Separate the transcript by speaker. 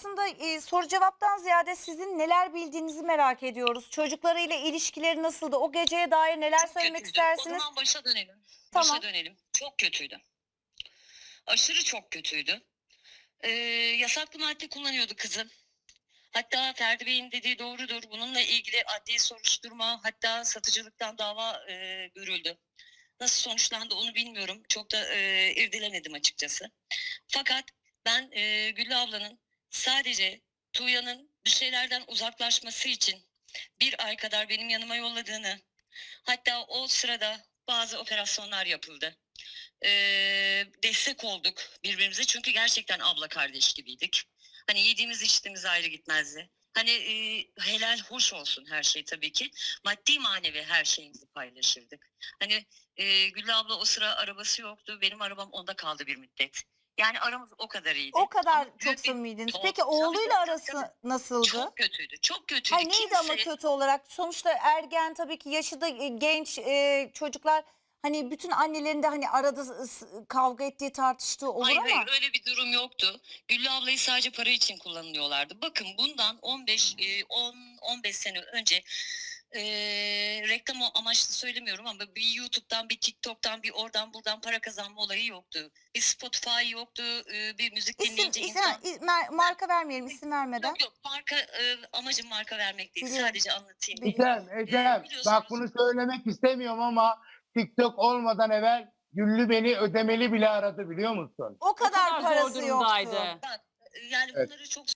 Speaker 1: aslında soru cevaptan ziyade sizin neler bildiğinizi merak ediyoruz. Çocuklarıyla ilişkileri nasıldı? O geceye dair neler
Speaker 2: Çok
Speaker 1: söylemek
Speaker 2: kötüydü. O
Speaker 1: istersiniz?
Speaker 2: zaman başa dönelim.
Speaker 1: Tamam.
Speaker 2: Başa dönelim. Çok kötüydü. Aşırı çok kötüydü. Yasaklı madde kullanıyordu kızım. Hatta Ferdi Bey'in dediği doğrudur. Bununla ilgili adli soruşturma, hatta satıcılıktan dava görüldü. Nasıl sonuçlandı onu bilmiyorum. Çok da irdelemedim açıkçası. Fakat ben Güllü ablanın sadece Tuğya'nın bir şeylerden uzaklaşması için bir ay kadar benim yanıma yolladığını, hatta o sırada bazı operasyonlar yapıldı. Destek olduk birbirimize çünkü gerçekten abla kardeş gibiydik. Hani yediğimiz içtiğimiz ayrı gitmezdi. Hani helal hoş olsun her şey tabii ki. Maddi manevi her şeyimizi paylaşırdık. Hani Güllü abla o sıra arabası yoktu. Benim arabam onda kaldı bir müddet. Yani aramız o kadar iyiydi.
Speaker 1: O kadar
Speaker 2: Ama
Speaker 1: çok
Speaker 2: büyük bir
Speaker 1: samimiydiniz.
Speaker 2: Tabii,
Speaker 1: Peki oğluyla
Speaker 2: tabii,
Speaker 1: arası nasıldı?
Speaker 2: çok kötüydü. Çok kötüydü.
Speaker 1: Hayır, neydi ama kötü olarak? Sonuçta ergen, tabii ki yaşı da genç çocuklar. Hani bütün annelerin de hani arada kavga ettiği, tartıştığı olur
Speaker 2: Hayır
Speaker 1: ama.
Speaker 2: hayır öyle bir durum yoktu. Güllü ablayı sadece para için kullanıyorlardı. Bakın bundan 10-15 sene önce reklam amaçlı söylemiyorum ama bir YouTube'dan, bir TikTok'tan, bir oradan buradan para kazanma olayı yoktu. Bir Spotify yoktu, bir müzik dinleyince insan...
Speaker 1: Marka vermeyelim, isim vermeden.
Speaker 2: Yok yok, amacım marka vermek değil.
Speaker 1: Biliyorum.
Speaker 2: Sadece anlatayım.
Speaker 3: Ecem, bak bunu söylemek istemiyorum ama TikTok olmadan evvel Güllü beni ödemeli bile aradı, biliyor musun?
Speaker 1: O kadar
Speaker 4: zor
Speaker 1: parası
Speaker 4: durumdaydı.
Speaker 1: yoktu.
Speaker 2: Bak yani
Speaker 3: Evet.
Speaker 2: bunları çok